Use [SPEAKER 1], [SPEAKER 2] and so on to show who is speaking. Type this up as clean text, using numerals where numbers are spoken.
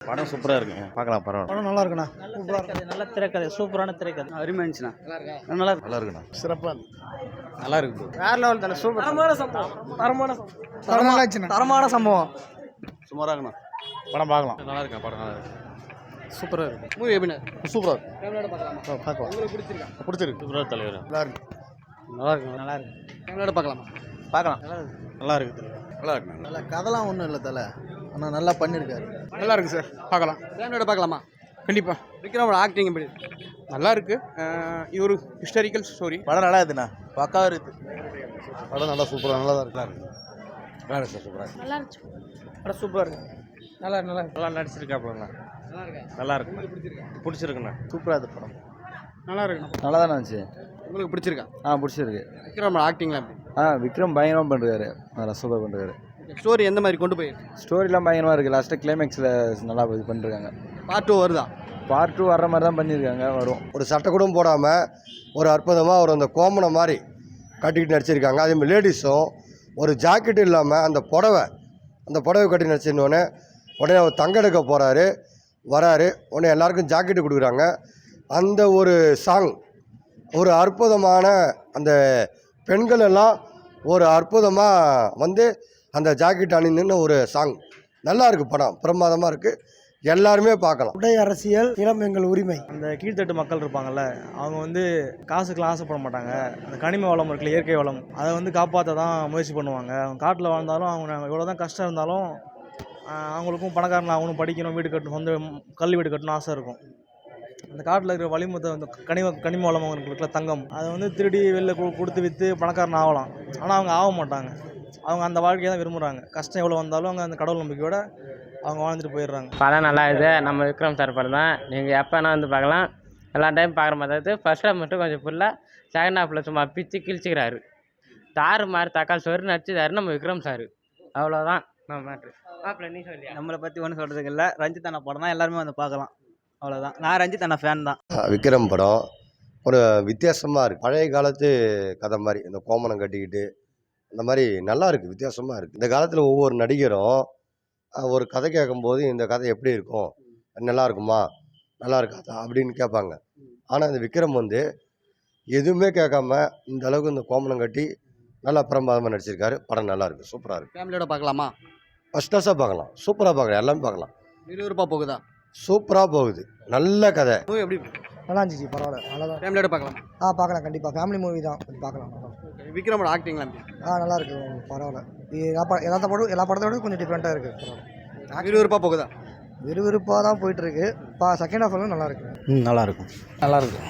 [SPEAKER 1] படம் சூப்பராக இருக்குங்க, பார்க்கலாம் பரவாயில்ல.
[SPEAKER 2] படம் நல்லா இருக்குண்ணா.
[SPEAKER 3] நல்ல திரைக்கதை, சூப்பரான திரைக்கதை.
[SPEAKER 2] அருமையா இருந்துச்சுண்ணா.
[SPEAKER 1] நல்லா இருக்குண்ணா.
[SPEAKER 2] சிறப்பாக
[SPEAKER 1] நல்லா இருக்கு.
[SPEAKER 3] வேற லெவல் தானே, சூப்பர். தரமான சம்பவம்.
[SPEAKER 2] தரமான சம்பவம்.
[SPEAKER 1] சுமாராக இருக்குண்ணா.
[SPEAKER 2] படம் பார்க்கலாம்.
[SPEAKER 1] நல்லா இருக்கேன், படம் நல்லா இருக்கு.
[SPEAKER 2] சூப்பராக இருக்கு.
[SPEAKER 3] மூவி எப்படின்னா
[SPEAKER 2] சூப்பராக இருக்கு.
[SPEAKER 3] ஃபேமிலியோட பார்க்கலாமா?
[SPEAKER 2] பார்க்கலாம்.
[SPEAKER 3] உங்களுக்கு பிடிச்சிருக்கா?
[SPEAKER 2] பிடிச்சிருக்கு.
[SPEAKER 1] சூப்பராக தலைவர்.
[SPEAKER 2] நல்லா இருக்கு.
[SPEAKER 1] நல்லா இருக்கு.
[SPEAKER 3] நல்லா இருக்கு. ஃபேமிலியோட பார்க்கலாமா?
[SPEAKER 1] பார்க்கலாம். நல்லா இருக்கு தலைவர். நல்லா இருக்கு.
[SPEAKER 2] நல்லா கதைலாம் ஒன்றும் இல்லை தலை, ஆனால் நல்லா பண்ணியிருக்காரு.
[SPEAKER 4] நல்லா இருக்கு சார், பார்க்கலாம்.
[SPEAKER 3] ஃபேமிலியோட பார்க்கலாமா?
[SPEAKER 4] கண்டிப்பாக
[SPEAKER 3] விக்ரமோட ஆக்டிங் எப்படி?
[SPEAKER 4] நல்லா இருக்கு. இது ஒரு ஹிஸ்டாரிக்கல் ஸ்டோரி.
[SPEAKER 1] படம் நல்லா இருக்குண்ணா, பக்காவாக இருக்குது.
[SPEAKER 2] படம் நல்லா சூப்பராக நல்லா தான் இருக்கு.
[SPEAKER 1] நல்லா இருக்கு சார், சூப்பராக இருக்கு.
[SPEAKER 5] நல்லா இருந்துச்சு.
[SPEAKER 3] படம் சூப்பராக இருக்கு. நல்லா இருக்கு.
[SPEAKER 1] நல்லா நடிச்சிருக்காப்புலண்ணா.
[SPEAKER 3] நல்லா இருக்கா?
[SPEAKER 1] நல்லா இருக்கு. பிடிச்சிருக்குண்ணா.
[SPEAKER 2] சூப்பராக இருக்கு படம்.
[SPEAKER 3] நல்லா இருக்குண்ணா.
[SPEAKER 6] நல்லா தானே இருந்துச்சு.
[SPEAKER 3] உங்களுக்கு பிடிச்சிருக்கா?
[SPEAKER 6] பிடிச்சிருக்கு.
[SPEAKER 3] விக்ரமோட ஆக்டிங்லாம் எப்படி?
[SPEAKER 6] விக்ரம் பயங்கரமாக பண்ணுறாரு, நல்லா சூப்பர் பண்ணுறாரு.
[SPEAKER 3] ஸ்டோரி எந்த மாதிரி கொண்டு போயிருக்கு?
[SPEAKER 6] ஸ்டோரிலாம் பயங்கரமாக இருக்குது. லாஸ்ட்டாக கிளைமேக்ஸில் நல்லா இது பண்ணிருக்காங்க.
[SPEAKER 3] பார்ட் 2 வருதா?
[SPEAKER 6] பார்ட் 2 வர்ற மாதிரி தான் பண்ணியிருக்காங்க, வரும்.
[SPEAKER 7] ஒரு சட்டை கூட போடாமல் ஒரு அற்புதமாக ஒரு அந்த கோமனை மாதிரி கட்டிக்கிட்டு நடிச்சிருக்காங்க. அதேமாதிரி லேடிஸும் ஒரு ஜாக்கெட் இல்லாமல் அந்த புடவை கட்டி நடிச்சிருந்தோடனே உடனே அவர் தங்க எடுக்க போகிறாரு, வராரு, உடனே எல்லாருக்கும் ஜாக்கெட்டு கொடுக்குறாங்க. அந்த ஒரு சாங் ஒரு அற்புதமான, அந்த பெண்கள் எல்லாம் ஒரு அற்புதமாக வந்து அந்த ஜாக்கெட் அணிந்துன்னு ஒரு சாங் நல்லா இருக்குது. படம் பிரமாதமாக இருக்குது, எல்லாருமே பார்க்கலாம்.
[SPEAKER 2] உடை அரசியல், இளம் எங்கள் உரிமை.
[SPEAKER 8] அந்த கீழ்த்தட்டு மக்கள் இருப்பாங்கல்ல, அவங்க வந்து காசுக்கெலாம் ஆசைப்பட மாட்டாங்க. அந்த கனிம வளம் இருக்குல்ல, இயற்கை வளம், அதை வந்து காப்பாற்ற தான் முயற்சி பண்ணுவாங்க. அவங்க காட்டில் வாழ்ந்தாலும், அவங்க எவ்வளோ தான் கஷ்டம் இருந்தாலும் அவங்களுக்கும் பணக்காரன் ஆகணும், படிக்கணும், வீடு கட்டணும், சொந்த கல்வி வீடு கட்டணும் ஆசை இருக்கும். அந்த காட்டில் இருக்கிற வளிமத்தை வந்து கனிம வளம் அவங்களுக்கு தங்கம், அதை வந்து திருடி வெளில கொடுத்து விற்று பணக்காரன் ஆகலாம். ஆனால் அவங்க ஆக மாட்டாங்க. அவங்க அந்த வாழ்க்கையை தான் விரும்புகிறாங்க. கஷ்டம் எவ்வளோ வந்தாலும் அவங்க அந்த கடவுள் நம்பிக்கையோட அவங்க வாழ்ந்துட்டு போயிடுறாங்க.
[SPEAKER 9] படம் நல்லா இருக்குது. நம்ம விக்ரம் சார் படம் தான். நீங்கள் எப்போனா வந்து பார்க்கலாம். எல்லா டைம் பார்க்குற மாதிரி தான் இருக்குது. ஃபர்ஸ்ட் ஹாஃப் மட்டும் கொஞ்சம் ஃபுல்லாக, செகண்ட் ஹாஃபில் சும்மா பிச்சு கிழிச்சிக்கிறாரு. தாறு மாதிரி தக்காளி சோறு நடிச்சுதாரு நம்ம விக்ரம் சார். அவ்வளோதான் நம்ம மேட்ரு. மாப்பிள்ள நீ சொல்லியா?
[SPEAKER 3] நம்மளை பற்றி ஒன்றும் சொல்கிறதுக்கு இல்லை. ரஞ்சித் அண்ணா படம் தான், எல்லாருமே வந்து பார்க்கலாம். அவ்வளோதான். நான் ரஞ்சித் அண்ணா ஃபேன் தான்.
[SPEAKER 7] விக்ரம் படம் ஒரு வித்தியாசமாக இருக்குது. பழைய காலத்து கதை மாதிரி, இந்த கோமனம் கட்டிக்கிட்டு அந்த மாதிரி நல்லா இருக்குது, வித்தியாசமாக இருக்குது. இந்த காலத்தில் ஒவ்வொரு நடிகரும் ஒரு கதை கேட்கும்போது இந்த கதை எப்படி இருக்கும், நல்லா இருக்குமா, நல்லா இருக்காதா அப்படின்னு கேட்பாங்க. ஆனால் இந்த விக்ரம் வந்து எதுவுமே கேட்காம இந்த அளவுக்கு இந்த கோமனம் கட்டி நல்லா பிரமாதமாக நடிச்சிருக்காரு. படம் நல்லா இருக்குது, சூப்பராக இருக்குது.
[SPEAKER 3] ஃபேமிலியோட பார்க்கலாமா?
[SPEAKER 7] ஃபஸ்ட் கிளாஸாக பார்க்கலாம், சூப்பராக பார்க்கலாம், எல்லாமே பார்க்கலாம்.
[SPEAKER 3] விறுவிறுப்பாக போகுதா?
[SPEAKER 7] சூப்பராக போகுது, நல்ல கதை.
[SPEAKER 3] மூவி எப்படி?
[SPEAKER 2] நல்லா இருந்துச்சு, பரவாயில்ல, நல்லா தான்.
[SPEAKER 3] ஃபேமிலியோட பார்க்கலாமா?
[SPEAKER 2] பார்க்கலாம், கண்டிப்பாக ஃபேமிலி மூவி தான், பார்க்கலாம்.
[SPEAKER 3] விக்ரமோட ஆக்டிங்லாம் எப்படி?
[SPEAKER 2] நல்லா இருக்கு, பரவாயில்ல. எல்லா படத்தோட கொஞ்சம் டிஃப்ரெண்ட்டாக இருக்குது, பரவாயில்ல.
[SPEAKER 3] விறுவிறுப்பாக போகுதா?
[SPEAKER 2] விறுவிறுப்பாக தான் போயிட்டுருக்கு. செகண்ட் ஹாஃப் வந்து நல்லா இருக்கு.
[SPEAKER 1] நல்லா இருக்கும்.
[SPEAKER 6] நல்லா இருக்கும்.